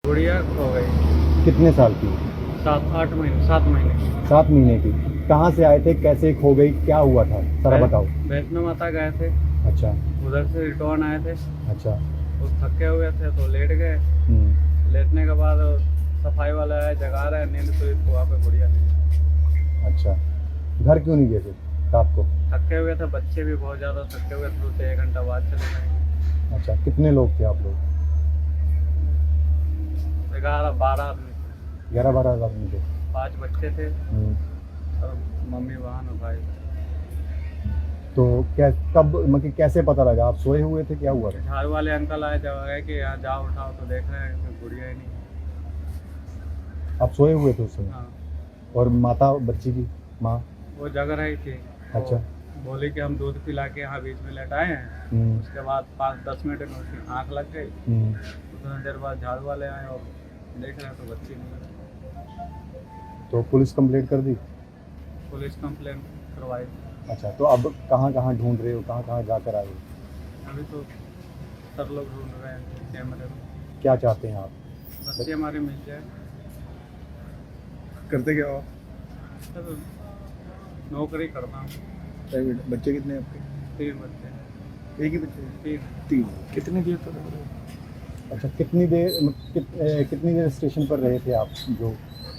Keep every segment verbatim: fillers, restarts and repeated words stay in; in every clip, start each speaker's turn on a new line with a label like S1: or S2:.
S1: गुड़िया खो गई।
S2: कितने साल की?
S1: सात आठ महीने सात महीने
S2: सात महीने की। कहाँ से आए थे, कैसे खो गई, क्या हुआ था, सारा
S1: वै-
S2: बताओ।
S1: वैष्णो माता गए थे,
S2: अच्छा
S1: उधर से रिटर्न आए थे।
S2: अच्छा।
S1: वो थके हुए थे तो लेट गए।
S2: हम्म,
S1: लेटने के बाद सफाई वाला आया, जगा रहा है, नींद तो वहाँ पे गुड़िया नहीं।
S2: अच्छा। घर क्यों नहीं गए थे रात को?
S1: थके हुए थे, बच्चे भी बहुत ज़्यादा थके हुए थे, तो एक घंटा बाद चले गए।
S2: अच्छा, कितने लोग थे आप लोग?
S1: ग्यारह बारह आदमी थे,
S2: ग्यारह बारह आदमी थे।
S1: पाँच बच्चे थे
S2: हम्म,
S1: और मम्मी बहन और भाई।
S2: तो क्या कब मतलब कैसे पता लगा? आप सोए हुए थे, क्या हुआ था?
S1: झाड़ू वाले अंकल आए, जब गए कि यहाँ जाओ उठाओ तो देख रहे हैं कि गुड़िया ही नहीं है।
S2: आप सोए हुए थे उस समय?
S1: हाँ,
S2: और माता बच्ची की माँ?
S1: वो जग रही थी।
S2: अच्छा।
S1: वो बोली कि हम दूध पिला के यहाँ बीच में लेटाए हैं।
S2: हम्म,
S1: उसके बाद पाँच दस मिनट में उसकी आँख लग गई।
S2: हम्म,
S1: उतना देर बाद झाड़ू वाले आए और देख रहे हैं तो बच्ची नहीं है।
S2: तो पुलिस कंप्लेंट कर दी?
S1: पुलिस कंप्लेन करवाई।
S2: अच्छा, तो अब कहाँ कहाँ ढूंढ रहे हो, कहाँ कहाँ जाकर आए हो?
S1: अभी तो सब लोग ढूंढ रहे हैं कैमरे में।
S2: क्या चाहते हैं आप?
S1: बच्ची हमारी मिल जाए।
S2: करते क्या हो?
S1: सर नौकरी करता हूँ।
S2: प्राइवेट। बच्चे कितने हैं आपके?
S1: तीन बच्चे।
S2: एक ही बच्चे?
S1: तीन।
S2: तीन। कितनी देर तक? अच्छा, कितनी देर मतलब कित, ए, कितनी देर स्टेशन पर रहे थे आप? जो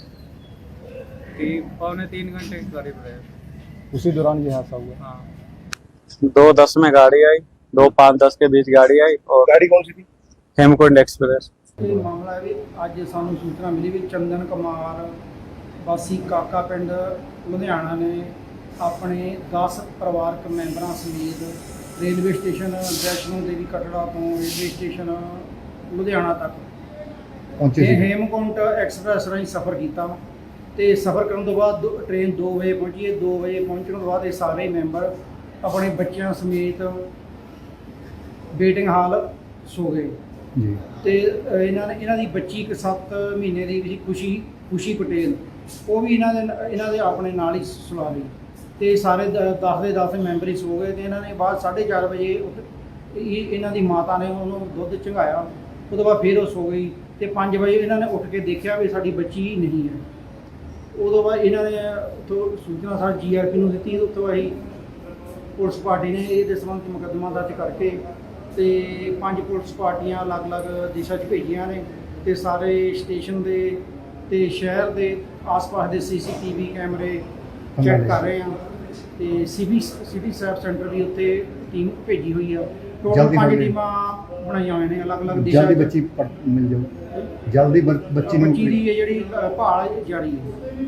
S1: तीन पौने तीन घंटे के करीब रहे।
S2: उसी दौरान ये हादसा हुआ?
S1: हाँ, दो दस में गाड़ी आई, दो पाँच दस के बीच गाड़ी आई। और
S2: गाड़ी कौन सी थी?
S1: हेमकुंड एक्सप्रेस।
S3: ਇਹ ਮਾਮਲਾ ਵੀ ਅੱਜ ਸਾਨੂੰ ਸੂਚਨਾ ਮਿਲੀ ਵੀ ਚੰਦਨ ਕੁਮਾਰ ਵਾਸੀ ਕਾਕਾ ਪਿੰਡ ਲੁਧਿਆਣਾ ਨੇ ਆਪਣੇ ਦਸ ਪਰਿਵਾਰਕ ਮੈਂਬਰਾਂ ਸਮੇਤ ਰੇਲਵੇ ਸਟੇਸ਼ਨ ਵੈਸ਼ਨੋ ਦੇਵੀ ਕਟੜਾ ਤੋਂ ਰੇਲਵੇ ਸਟੇਸ਼ਨ ਲੁਧਿਆਣਾ ਤੱਕ
S2: ਪਹੁੰਚੇ
S3: ਇਹ
S2: ਸੀ?
S3: ਹੇਮਕੁੰਟ ਐਕਸਪ੍ਰੈਸ ਰਾਹੀਂ ਸਫ਼ਰ ਕੀਤਾ ਤੇ ਸਫ਼ਰ ਕਰਨ ਤੋਂ ਬਾਅਦ ਦੋ- ਟ੍ਰੇਨ ਦੋ ਵਜੇ ਪਹੁੰਚੀ ਹੈ। ਦੋ ਵਜੇ ਪਹੁੰਚਣ ਤੋਂ ਬਾਅਦ ਇਹ ਸਾਰੇ ਮੈਂਬਰ ਆਪਣੇ ਬੱਚਿਆਂ ਸਮੇਤ ਵੇਟਿੰਗ ਹਾਲ ਸੋ ਗਏ।
S2: ਜੀ।
S3: ਤੇ ਅ, ਇਹਨਾਂ ਨੇ ਇਹਨਾਂ ਦੀ ਬੱਚੀ ਇੱਕ ਸੱਤ ਮਹੀਨੇ ਦੀ ਸੀ, ਖੁਸ਼ੀ ਖੁਸ਼ੀ ਪਟੇਲ, ਉਹ ਵੀ ਇਹਨਾਂ ਦੇ ਨ- ਇਹਨਾਂ ਦੇ ਆਪਣੇ ਨਾਲ ਹੀ ਸੁਲਾ ਲਈ ਤੇ ਸਾਰੇ ਦਸ ਦੇ ਦਸ ਮੈਂਬਰ ਹੀ ਸੋ ਗਏ। ਤੇ ਇਹਨਾਂ ਨੇ ਬਾਅਦ ਸਾਢੇ ਚਾਰ ਵਜੇ ਉੱਠ ਇਹ ਇਹਨਾਂ ਦੀ ਮਾਤਾ ਨੇ ਉਹਨੂੰ ਦੁੱਧ ਚੰਗਾਇਆ। ਉਹ ਤੋਂ ਬਾਅਦ ਫਿਰ ਉਹ ਸੋ ਗਈ ਤੇ ਪੰਜ ਵਜੇ ਇਹਨਾਂ ਨੇ ਉੱਠ ਕੇ ਦੇਖਿਆ ਵੀ ਸਾਡੀ ਬੱਚੀ ਨਹੀਂ ਹੈ। ਉਦੋਂ ਬਾਅਦ ਇਹਨਾਂ ਨੇ ਉੱਥੋਂ ਸੂਚਨਾ ਸਾਡੀ ਜੀ ਆਰ ਪੀ ਨੂੰ ਦਿੱਤੀ। ਉੱਥੋਂ ਅਸੀਂ ਪੁਲਿਸ ਪਾਰਟੀ ਨੇ ਇਹਦੇ ਸੰਬੰਧ 'ਚ ਮੁਕੱਦਮਾ ਦਰਜ ਕਰਕੇ ਤੇ ਪੰਜ ਪੁਲਿਸ ਪਾਰਟੀਆਂ ਅਲੱਗ-ਅਲੱਗ ਦਿਸ਼ਾ 'ਚ ਭੇਜੀਆਂ ਨੇ ਤੇ ਸਾਰੇ ਸਟੇਸ਼ਨ ਦੇ ਤੇ ਸ਼ਹਿਰ ਦੇ ਆਸ-ਪਾਸ ਦੇ ਸੀ ਸੀ ਟੀ ਵੀ ਕੈਮਰੇ ਚੈੱਕ ਕਰ ਰਹੇ ਆ ਤੇ ਸਿਟੀ ਸਿਟੀ ਸੈਫ ਸੈਂਟਰ ਦੀ ਉੱਤੇ ਟੀਮ ਭੇਜੀ ਹੋਈ ਆ। ਟੋਟਲ
S2: ਜਲਦੀ
S3: ਪੰਜ
S2: ਹੋਵੇ।
S3: ਟੀਮਾਂ ਬਣਾਈਆਂ ਹੋਈਆਂ ਨੇ ਅਲੱਗ-ਅਲੱਗ ਦਿਸ਼ਾ
S2: ਜਲਦੀ
S3: 'ਚ।
S2: ਬੱਚੀ ਪਟ- ਮਿਲ ਜਾਓ। ਜਲਦੀ ਬ- ਬੱਚੀ ਨੂੰ
S3: ਬੱਚੀ ਦੀ ਇਹ ਜਿਹੜੀ ਅ, ਭਾਲ ਜਾਰੀ ਹੈ।